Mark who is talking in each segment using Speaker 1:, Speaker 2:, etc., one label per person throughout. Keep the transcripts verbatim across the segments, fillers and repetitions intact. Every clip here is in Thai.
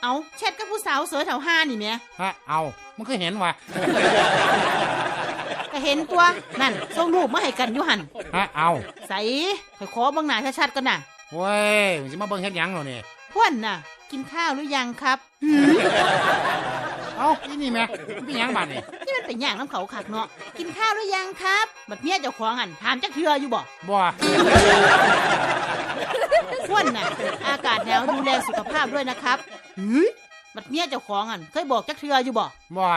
Speaker 1: เอาแชทกับผู้สาวสวยแถวห้านี่แม่
Speaker 2: ฮะเอามันก็เห็นว่ะ
Speaker 1: ก็เห็นตัวนั่นส่งรูปมาให้กันอยู่หัน
Speaker 2: ฮะเอา
Speaker 1: ใส่ขอขอเบิ่งหน้าชัดๆกันน่ะ
Speaker 2: เว้ยมึงสิมาเบิ่งเฮ็ดหยังเหรอนี่
Speaker 1: พ่วนน่ะกินข้าวหรือยังครับ
Speaker 2: เอ้าอีนี่แม่มันเป็นหยังบาดนี่
Speaker 1: นี่มันเป็นหยังน้ำเขาคักเนาะกินข้าวหรือยังครับบัดเมียเจ้าของหันถามจักเทื่ออยู่บ่
Speaker 2: บ่
Speaker 1: พ่วนน่ะอากาศหนาวดูแลสุขภาพด้วยนะครับเฮ้ยบัดเมียเจ้าของหันเคยบอกจักเทื่ออยู่บ่
Speaker 2: บ่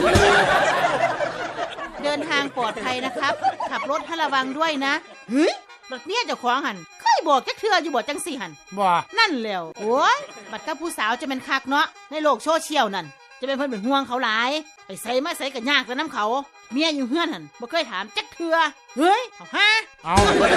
Speaker 1: เดินทางปลอดภัยนะครับขับรถให้ระวังด้วยนะเฮ้ยบัดเมียเจ้าของหันเคยบอกจักเทื่ออยู่บ่จังสี่หัน
Speaker 2: บ่
Speaker 1: นั่นแล้วโอ้ยบัดกับผู้สาวจะเป็นคักเนาะในโลกโซเชียลนั่นจะเป็นเพิ่นเป็นห่วงเขาหลายไปใส่มาใส่กันยากแต่น้ำเขาเมียอยู่เฮือนหันบ่เคยถามจักเทื่อเฮ้ยเอาฮะ
Speaker 2: เอา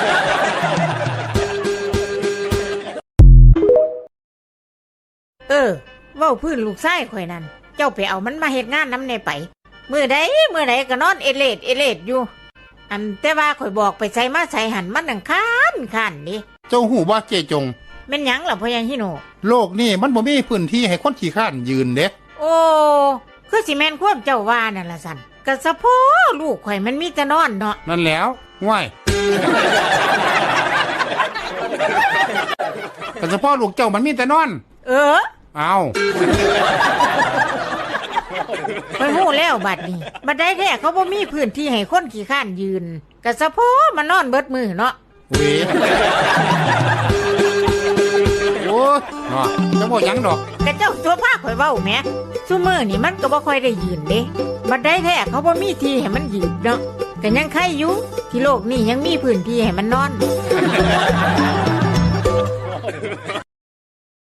Speaker 3: เออเว้าพื้นลูกชายข่อยนั่นเจ้าไปเอามันมาเฮ็ดงานนำแน่ไปมื้อใดมื้อใดก็นอนเอเลดเอเลดอยู่อันแต่ว่าข่อยบอกไปใส่มาใส่หันมันนังค้านค้านนี่
Speaker 2: เจ้าหูบ่เจจง
Speaker 3: แม่นหยังล่ะพ่อใหญ่ฮิโน
Speaker 2: โลกนี่มันบ่มีพื้นที่ให้คนขี้ข้านยืนเด้
Speaker 3: โอ้คือสิแม่นความเจ้าว่านั่นล่ะสั่นก็สะโพลูกข่อยมันมีแต่นอนเนาะ
Speaker 2: นั่นแล้วง่ายแต่เฉพาะลูกเจ้ามันมีแต่นอน
Speaker 3: เออ
Speaker 2: เอา
Speaker 3: ไปฮู้แล้วบัดนี้บัดได้แท้เขาบ่มีพื้นที่ให้คนขี้ข้านยืนก็สะโพมันนอนเบิดมือเนาะ
Speaker 2: เว้ยโอ้ยเนาะจะบ่หยังดอก
Speaker 3: กะเจ้าตัวพาข่อยเว้าแหมซุมื้อนี่มันก็บ่ค่อยได้ยืนเด้บัดได้แท้เขาบ่มีที่ให้มันยืนเนาะก็ยังใครอยู่ที่โลกนี้ยังมีพื้นที่ให้มันนอน